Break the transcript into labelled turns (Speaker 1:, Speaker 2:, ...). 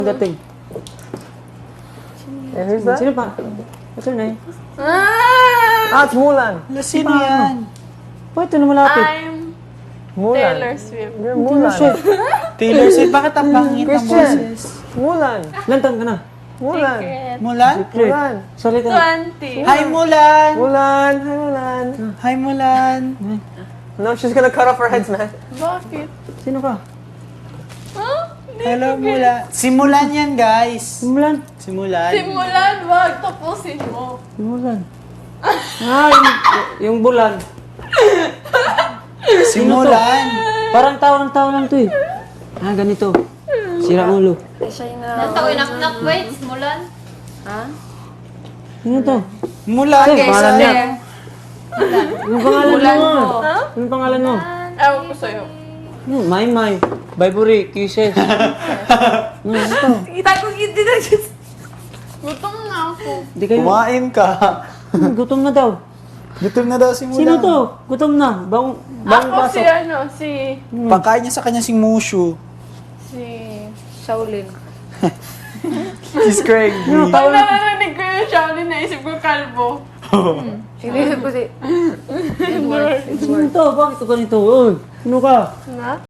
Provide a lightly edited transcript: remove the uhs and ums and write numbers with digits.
Speaker 1: Dating.
Speaker 2: And who's that?
Speaker 1: Sino pa? What's her name?
Speaker 2: Ah, it's Mulan.
Speaker 3: Sino yan?
Speaker 1: Bakit ito na malapit?
Speaker 4: I'm
Speaker 2: Mulan.
Speaker 4: Taylor Swift.
Speaker 2: You're Mulan.
Speaker 3: Taylor Swift, bakit ang pangit ng
Speaker 2: Christian.
Speaker 3: boses?
Speaker 2: Mulan.
Speaker 1: Lantan ka na.
Speaker 2: Mulan.
Speaker 4: Secret.
Speaker 3: Mulan?
Speaker 2: Mulan.
Speaker 1: Sorry ka.
Speaker 4: 20.
Speaker 3: Hi, Mulan!
Speaker 2: Mulan. Hi, Mulan.
Speaker 3: Hi, Mulan!
Speaker 2: No, she's gonna cut off our heads, man.
Speaker 4: Bakit?
Speaker 1: Sino ka?
Speaker 4: Huh?
Speaker 3: Hello, Mulan. Simulan yan, guys.
Speaker 1: Simulan.
Speaker 3: Simulan.
Speaker 4: Simulan, wag. Tapusin mo.
Speaker 1: Simulan. Ah, yung bulan.
Speaker 3: Simulan.
Speaker 1: Parang tao lang to eh. Ah, ganito. Sira ulo.
Speaker 5: Nataw inak-nak, wait, simulan. Ha?
Speaker 1: Sino to?
Speaker 3: Mulan,
Speaker 1: Sir,
Speaker 3: guys.
Speaker 1: pangalan niya. Yung pangalan mo.
Speaker 4: Ha?
Speaker 1: Yung pangalan mo.
Speaker 4: Ewan ko sa'yo.
Speaker 1: May. Bayburi, kisses. Ito.
Speaker 4: Kita ko hindi na just... Gutom na ako.
Speaker 1: Di kayo.
Speaker 3: Kumain ka.
Speaker 1: Gutom na daw.
Speaker 3: Gutom na daw si Mulan.
Speaker 1: Sino to? Gutom na. Bang
Speaker 4: Ako si
Speaker 1: pasok.
Speaker 4: si...
Speaker 3: Pagkain niya sa kanya si Mushu.
Speaker 4: Si...
Speaker 5: Shaolin.
Speaker 3: He's Craig.
Speaker 4: Pag narinig ko yung Shaolin, naisip ko kalbo.
Speaker 5: Inisip ko si...
Speaker 1: Sino to? Bakit ka ganito? Uy, sino ka?
Speaker 4: Na?